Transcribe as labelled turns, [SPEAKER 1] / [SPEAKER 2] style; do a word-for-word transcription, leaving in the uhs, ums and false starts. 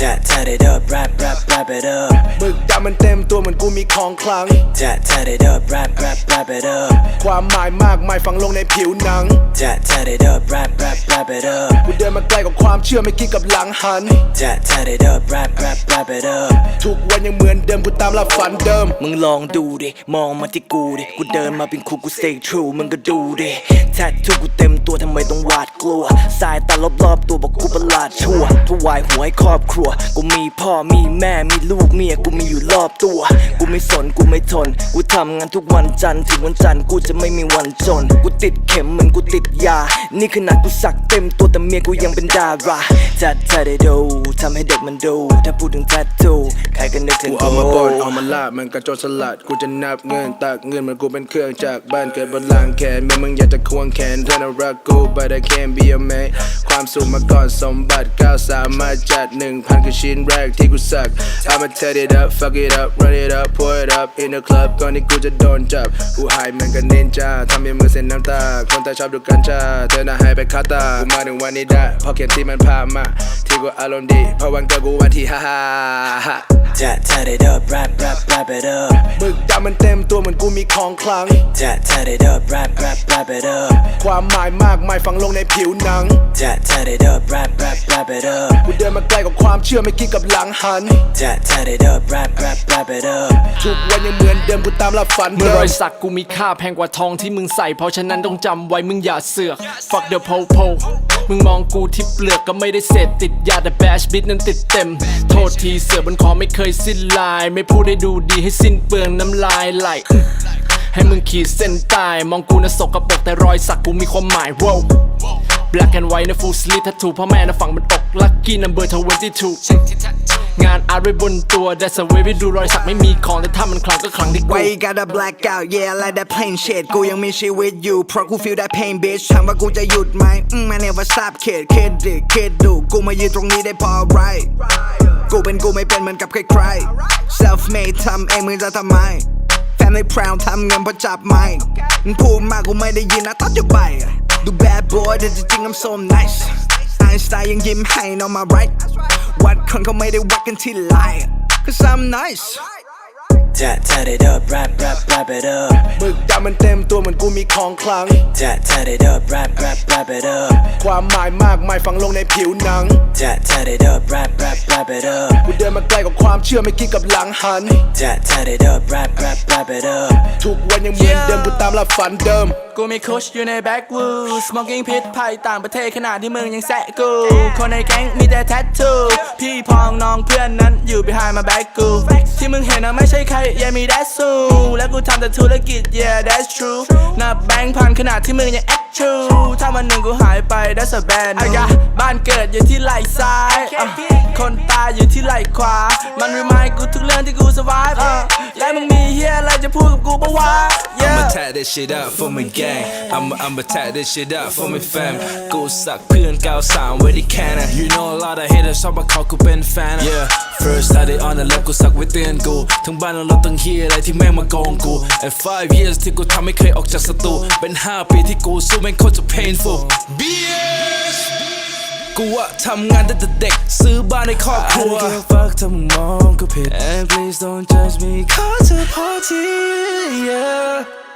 [SPEAKER 1] จะ turn it up rap rap rap it up
[SPEAKER 2] มึกดำมันเต็มตัวเหมือนกูมีของคลัง
[SPEAKER 1] จะ turn it up rap rap rap it up
[SPEAKER 2] ความหมายมากมายฝังลงในผิวหนัง
[SPEAKER 1] จะ turn it up rap rap rap it up
[SPEAKER 2] กูเดินมาไกลกว่าความเชื่อไม่คิดกับหลังหัน
[SPEAKER 1] จะ turn it up rap rap rap it up
[SPEAKER 2] ทุกวันยังเหมือนเดิมกูตามล่าฝันเดิม
[SPEAKER 1] มึงลองดูดิมองมาที่กูดิกูเดินมาเป็นครูกู stay true มึงก็ดูดิแทททูกูเต็มตัวทำไมต้องหวาดกลัวสายตารอบๆตัวบอกกูประหลาดชั่วถวายหัวให้ครอบครัวกูมีพ่อมีแม่มีลูกเมียกูมีอยู่รอบตัวกูไม่สนกูไม่ทนกูทำงานทุกวันจันทร์ถึงวันจันทร์กูจะไม่มีวันจนกูติดเข็มเหมือนกูติดยานี่ขนาดกูสักเต็มตัวแต่เมียกูยังเป็นดาราจัดเธอได้ดูทำให้เด็กมันดูถ้าพูดถึงแทททูใครก็นึกถึง
[SPEAKER 2] กูเอามาบอนเอามาลาบมันกระโจนสลัดกูจะนับเงินตักเงินเหมือนกูเป็นเครื่องจากบ้านเกิดบนหลังแขนเมื่อมึงอยากจะควงแขนเธอน่ารักกู but I can't be a man ความสุขมาก่อนสมบัติก้าวสามารถจัดหนึ่งพันคือชิ้นแรกที่กูสัก I'ma tear it up fuck it up run it up pour it up in the club ก่อนที่กูจะโดนจับกูหายเหมือนกับนินจาทำให้มือเส้นน้ำตาคนตาชอบดูกัญชาเธอน่าหายไปคาตากูมาถึงวันนี้ได้เพราะเขียนที่มันพามาที่กูอารมณ์ดีเพราะวันเกิดกูวันที่ฮ่าฮ่าฮ่า
[SPEAKER 1] จะ turn it up rap rap rap it up
[SPEAKER 2] มึกดำมันเต็มตัวเหมือนกูมีของคลัง
[SPEAKER 1] จะ turn it up rap rap rap it up
[SPEAKER 2] ความหมายมากมายฝังลงในผิวหนัง
[SPEAKER 1] จะ turn it up rap rap rap it up
[SPEAKER 2] กูเดินมาไกลกว่าความเชื่อไม่คิดกับหลังหัน
[SPEAKER 1] จะ turn it up rap rap rap it up
[SPEAKER 2] ทุกวันยังเหมือนเดิมกูตามล่าฝันเดิม
[SPEAKER 3] เมื่อรอยสักกูมีค่าแพงกว่าทองที่มึงใส่เพราะฉะนั้นต้องจำไว้มึงอย่าเสือก fuck the po po มึงมองกูที่เปลือกก็ไม่ได้เสพติดยาแต่แบชบิทนั้นติดเต็มโทษทีเสือบนคอไม่เคยสิ้นลายไม่พูดให้ดูดีให้สิ้นเปลืองน้ำลายไหลให้มึงขีดเส้นใต้มองกูน่ะสกปรกแต่รอยสักกูมีความหมาย wow black and white นะ full sleeve tattoo พ่อแม่นะฝั่งมันอก lucky number ยี่สิบสองงานอาร์ตไว้บนตัว that's a way ไปดูรอยสักไม่มีของแต่ถ้ามันคลังก็คลังที่กู
[SPEAKER 4] Why you gotta black out yeah like that plain shit กูยังมีชีวิตอยู่เพราะกู feel that pain bitch ถามว่ากูจะหยุดไหมอืม I never stop kid kid ดิคิดดูกูมายืนตรงนี้ได้พอ right กูเป็นกูไม่เป็นเหมือนกับใครๆ self made ทำเองมึงจะทำไม family proud ทำเงินเพราะจับไม้มึงพูดมากกูไม่ได้ยินนะตัดจะไปดู bad boy แต่จริงๆ I'm so nice ไอน์สไตน์ยังยิ้มให้ on my right วัดคนเขาไม่ได้วัดกันที่ไลน์ cause I'm nice
[SPEAKER 1] จะ turn it up rap rap rap it up
[SPEAKER 2] มึกดำมันเต็มตัวเหมือนกูมีของคลัง
[SPEAKER 1] จะ turn it up rap rap rap it up
[SPEAKER 2] ความหมายมากมายฝังลงในผิวหนัง
[SPEAKER 1] จะ turn it up rap rap rap it up
[SPEAKER 2] กูเดินมาไกลกว่าความเชื่อไม่คิดกับหลังหัน
[SPEAKER 1] จะ turn it up rap rap rap it up
[SPEAKER 2] ทุกวันยังเหมือนเดิมกูตามล่าฝันเดิม
[SPEAKER 3] กูมีคุชอยู่ในแบ็กวูด smoking พิษภัยต่างประเทศขนาดที่มึงยังแซะกูคนในแก๊งมีแต่แทททูพี่พองน้องเพื่อนนั้นอยู่ behind my back กูที่มึงเห็นนะไม่ใช่ใครอย่ามี that's so และกูทำแต่ธุรกิจ yeah that's true นับแบงค์พันขนาดที่มึงยัง act true ถ้าวันหนึ่งกูหายไป that's a bad news บ้านเกิดอยู่ที่ไหล่ซ้ายคนตายอยู่ที่ไหล่ขวามัน remind กูทุกเรื่องที่กู survive และมึงมีเฮียอะไรจะพูดกับกูปะวะ
[SPEAKER 5] I'ma tie this shit up for my gang I'ma I'ma tie this shit up for my fam กูสักเพื่อนเก้าสามไว้ที่แคนนะ You know a lot of haters ชอบมาเขากูเป็นแฟน Yeah first I did on the left กูสักไว้เตือนกูทั้งบ้านเราต้องเฮียอะไรที่แม่งมาโกงกู And five years ที่กูทำไม่เคยออกจากสตูเป็นห้าปีที่กูสู้แม่งโคตรจะ painful บี เอส กูอะทำงานตั้งแต่เด็กซื้อบ้านในครอบครัว I don't give a fuck ถ้ามึงมองกูผิด And please don't judge me ขอเธอพอที yeah